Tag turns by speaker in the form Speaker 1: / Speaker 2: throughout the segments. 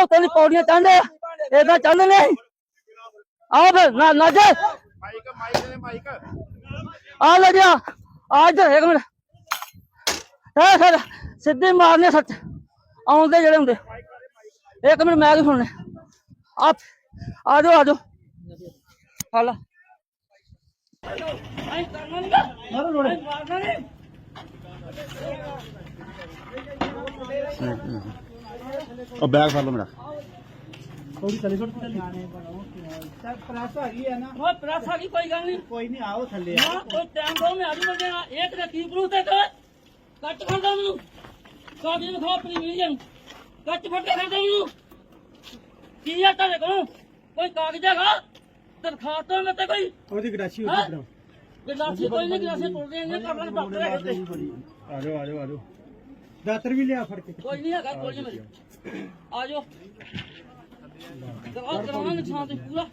Speaker 1: ਉੱਤੇ ਦੀ ਪੌੜੀਆਂ ਚੜ੍ਹਦੇ ਏਦਾਂ ਚੜ੍ਹਦੇ ਨੇ। ਆਓ ਫਿਰ ਨਾ ਜੇ ਆ ਲੈ ਜਾ ਆ ਇੱਧਰ ਇੱਕ ਮਿੰਟ ਹੈ ਫਿਰ ਸਿੱਧੇ ਮਾਰਨੇ ਸੱਚ ਆਉਂਦੇ ਜਿਹੜੇ ਹੁੰਦੇ। ਇੱਕ ਮਿੰਟ ਮੈਂ ਕੀ ਸੁਣਨੇ ਆ ਜਾਓ ਹਾਲ
Speaker 2: बैग फड़ लो मेरा
Speaker 1: थोड़ी चले प्रेस आ गई है ना वो प्रेस आ गई कोई गल नहीं कोई नहीं आओ थल्ले हां कोई टाइम दो मैं आजू बजे एक ने की प्रूफ दे कट कर दो मेनू कागज दिखाओ अपनी मीडियम कट फट कर दो मेनू की है तेरे को कोई कागज है दरखास्त में ते कोई ओदी गरासी होती गरासी कोई नहीं गरासी तोड़ देंगे कर डॉक्टर है आ जाओ दातर भी लिया फड़ के कोई नहीं है कोई नहीं मेरी आ जाओ करवाना नुकसान तो पूरा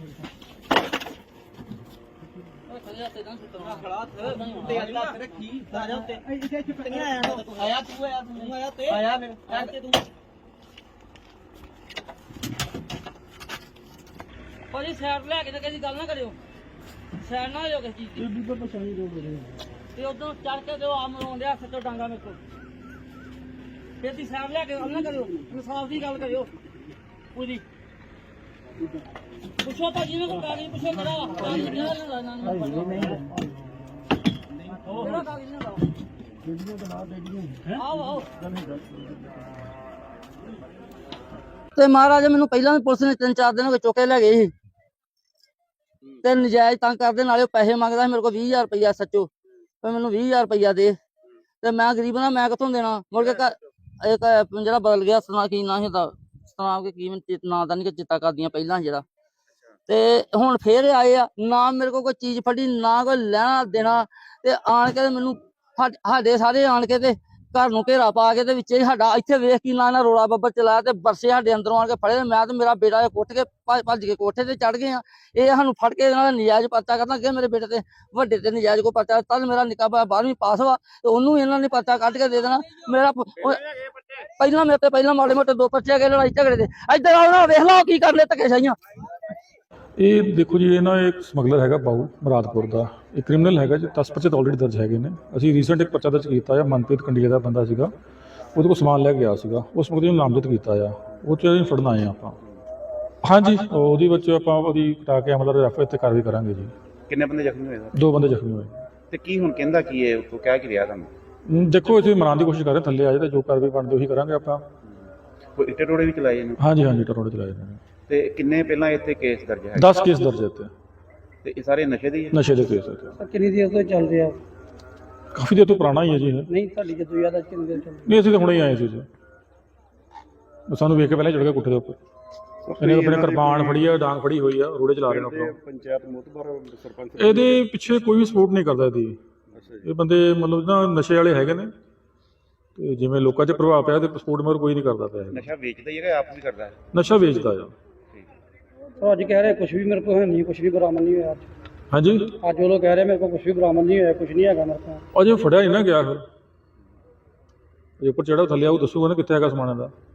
Speaker 1: भाजी सैड लैके किसी गल ना करो सैड ना हो किसी चीज की उधर चढ़ के दो आम रोंदे सचो डांगा मेरे को फिर सैड लैके गल ना करो इंसाफ की गल करो पूरी पुछो भाजी ने कागज पुछो करा कागज क्या लेना कागज ना आओ ਤੇ ਮਹਾਰਾਜ ਮੈਨੂੰ ਪਹਿਲਾਂ ਵੀ ਪੁਲਿਸ ਨੇ 3-4 ਦਿਨ ਹੋ ਗਏ ਚੁੱਕੇ ਲੈ ਗਏ ਸੀ ਤੇ ਨਜਾਇਜ਼ ਤੰਗ ਕਰਦੇ ਨਾਲੇ ਪੈਸੇ ਮੰਗਦਾ ਸੀ ਮੇਰੇ ਕੋਲ 20000 ਰੁਪਇਆ ਸੱਚੋ ਤੇ ਮੈਨੂੰ 20000 ਰੁਪਇਆ ਦੇ ਤੇ ਮੈਂ ਗਰੀਬ ਨਾ ਮੈਂ ਕਿੱਥੋਂ ਦੇਣਾ ਮੁੜ ਕੇ ਇੱਕ ਜਿਹੜਾ ਬਦਲ ਗਿਆ ਸੁਣਾ ਕੀ ਨਾ ਹੁੰਦਾ ਸੁਣਾ ਕੇ ਕੀ ਨਾਂ ਦਾ ਨਹੀਂ ਚਿੱਤਾ ਕਰਦੀਆਂ ਪਹਿਲਾਂ ਜਿਹੜਾ ਤੇ ਹੁਣ ਫੇਰ ਆਏ ਆ ਨਾ ਮੇਰੇ ਕੋਲ ਕੋਈ ਚੀਜ਼ ਫੜੀ ਨਾ ਕੋਈ ਲੈਣਾ ਦੇਣਾ ਤੇ ਆਣ ਕੇ ਮੈਨੂੰ ਸਾਡੇ ਸਾਰੇ ਆਣ ਕੇ ਤੇ घर नूं घेरा पा के ते विच साडा इत्थे वेख की ना रोला बब्बर चलाया ते बरसे साडे अंदरों आण के फड़े मैं ते मेरा बेटा कुट के भज के कोठे ते चढ़ गए ये सानूं फड़ के इन्हां दा नजायज पर्चा करना अगे मेरे बेटे ते वड्डे ते नजायज को पर्चा तद मेरा निक्का भाई 12वीं पास हुआ ते ओनू इन्हां ने पर्चा कढ के दे देना मेरा पहला मेरे ते पहला माड़े मोटे 2 पर्चे गए लड़ाई झगड़े दे इधर आओ ना वेख लो की कर ले धक्केशाइयां।
Speaker 3: ਇਹ ਦੇਖੋ ਜੀ ਇਹ ਨਾ ਇੱਕ ਸਮਗਲਰ ਹੈਗਾ ਬਾਊ ਮੁਰਾਦਪੁਰ ਦਾ ਇਹ ਕ੍ਰਿਮੀਨਲ ਹੈਗਾ ਜੀ 10 ਪਰਚੇ ਆਲਰੇਡੀ ਦਰਜ ਹੈਗੇ ਨੇ। ਅਸੀਂ ਰੀਸੈਂਟ ਇੱਕ ਪਰਚਾ ਦਰਜ ਕੀਤਾ ਆ ਮਨਪ੍ਰੀਤ ਕੰਡੀਆ ਦਾ ਬੰਦਾ ਸੀਗਾ ਉਹਦੇ ਕੋਲ ਸਮਾਨ ਲੈ ਕੇ ਗਿਆ ਸੀਗਾ ਉਸ ਮੁਕਦੇ ਨੂੰ ਨਾਮਜ਼ਦ ਕੀਤਾ ਆ ਉਹ 'ਚ ਅਸੀਂ ਫੜਨ ਆਏ ਆਪਾਂ। ਹਾਂਜੀ ਉਹਦੇ ਵਿੱਚ ਆਪਾਂ ਉਹਦੀ ਕਟਾ ਕੇ ਅਮਲ ਰੈਫਰ ਤੇ ਕਾਰਵਾਈ ਕਰਾਂਗੇ ਜੀ।
Speaker 2: ਕਿੰਨੇ ਬੰਦੇ ਜ਼ਖਮੀ ਹੋਏ ਸਰ?
Speaker 3: 2 ਬੰਦੇ ਜ਼ਖਮੀ ਹੋਏ।
Speaker 2: ਤੇ ਕੀ ਹੁਣ ਕਹਿੰਦਾ ਕੀ ਹੈ ਉੱਥੋਂ ਕਹਿ ਕੀ ਰਿਹਾ ਤੁਹਾਨੂੰ?
Speaker 3: ਦੇਖੋ ਅਸੀਂ ਮਨਾਉਣ ਦੀ ਕੋਸ਼ਿਸ਼ ਕਰ ਰਹੇ ਥੱਲੇ ਆ ਜਾਏ ਤਾਂ ਜੋ ਕਾਰਵਾਈ ਬਣਦੀ ਉਹੀ ਕਰਾਂਗੇ ਆਪਾਂ।
Speaker 2: ਕੋਈ ਇੱਟੇ ਟੋੜੇ ਵੀ ਚਲਾਏ ਨੇ?
Speaker 3: ਹਾਂਜੀ ਟਰੋੜੇ ਚਲਾਏ ਨੇ।
Speaker 2: ਤੇ ਕਿੰਨੇ ਪਹਿਲਾਂ ਇੱਥੇ ਕੇਸ ਦਰਜ ਹੈ?
Speaker 3: 10 ਕੇਸ ਦਰਜ ਇੱਥੇ
Speaker 2: ਤੇ ਇਹ ਸਾਰੇ ਨਸ਼ੇ ਦੇ ਹੀ ਹੈ?
Speaker 3: ਨਸ਼ੇ ਦੇ ਕੇਸ ਇੱਥੇ।
Speaker 1: ਕਿੰਨੀ ਦੇਰ ਤੋਂ ਚੱਲ ਰਿਹਾ?
Speaker 3: ਕਾਫੀ ਦੇਰ ਤੋਂ ਪੁਰਾਣਾ ਹੀ ਹੈ ਜੀ ਇਹ।
Speaker 1: ਨਹੀਂ ਤੁਹਾਡੀ ਜਦੋਂ ਯਾਦ ਆ ਕਿੰਨੀ ਦੇਰ ਚੱਲ
Speaker 3: ਨਹੀਂ ਅਸੀਂ ਤਾਂ ਹੁਣੇ ਹੀ ਆਏ ਸੀ ਜੀ ਸਾਨੂੰ ਵੇਖ ਕੇ ਪਹਿਲਾਂ ਚੜ ਗਿਆ ਕੁੱਠੇ ਦੇ ਉੱਪਰ ਇਹਨੇ ਆਪਣੇ ਕਿਰਪਾਨ ਫੜੀ ਆ ਡਾਂਗ ਫੜੀ ਹੋਈ ਆ ਰੋੜੇ ਚਲਾ ਰਹੇ ਨੇ ਉੱਪਰੋਂ।
Speaker 2: ਪੰਚਾਇਤ ਮੁਤਬਰ ਸਰਪੰਚ
Speaker 3: ਇਹਦੇ ਪਿੱਛੇ ਕੋਈ ਵੀ ਸਪੋਰਟ ਨਹੀਂ ਕਰਦਾ ਇਹਦੀ। ਇਹ ਬੰਦੇ ਮਤਲਬ ਨਾ ਨਸ਼ੇ ਵਾਲੇ ਹੈਗੇ ਨੇ ਤੇ ਜਿਵੇਂ ਲੋਕਾਂ 'ਚ ਪ੍ਰਭਾਵ ਪਿਆ ਤੇ ਸਪੋਰਟ ਮਗਰ ਕੋਈ ਨਹੀਂ ਕਰਦਾ ਪਿਆ।
Speaker 2: ਨਸ਼ਾ ਵੇਚਦਾ ਹੀ ਹੈਗਾ ਆਪ ਵੀ ਕਰਦਾ ਹੈ?
Speaker 3: ਨਸ਼ਾ ਵੇਚਦਾ ਆ।
Speaker 1: ਅੱਜ ਕਹਿ ਰਹੇ ਕੁਝ ਵੀ ਮੇਰੇ ਕੋਲ ਹੈ ਨਹੀਂ ਕੁਝ ਵੀ ਬਰਾਮਦ ਨਹੀਂ ਹੋਇਆ।
Speaker 3: ਹਾਂਜੀ
Speaker 1: ਅੱਜ ਉਹ ਲੋਕ ਕਹਿ ਰਹੇ ਮੇਰੇ ਕੋਲ ਕੁਝ ਵੀ ਬਰਾਮਦ ਨਹੀਂ ਹੋਇਆ ਕੁਝ ਨਹੀਂ ਹੈਗਾ ਮੇਰੇ ਕੋਲ।
Speaker 3: ਅਜੇ ਫੜਿਆ ਨਹੀਂ ਨਾ ਗਿਆ ਫਿਰ ਜੇ ਉੱਪਰ ਚੜਾ ਥੱਲੇ ਆਊ ਦੱਸੂਗਾ ਨਾ ਕਿੱਥੇ ਹੈਗਾ ਸਮਾਨ ਦਾ।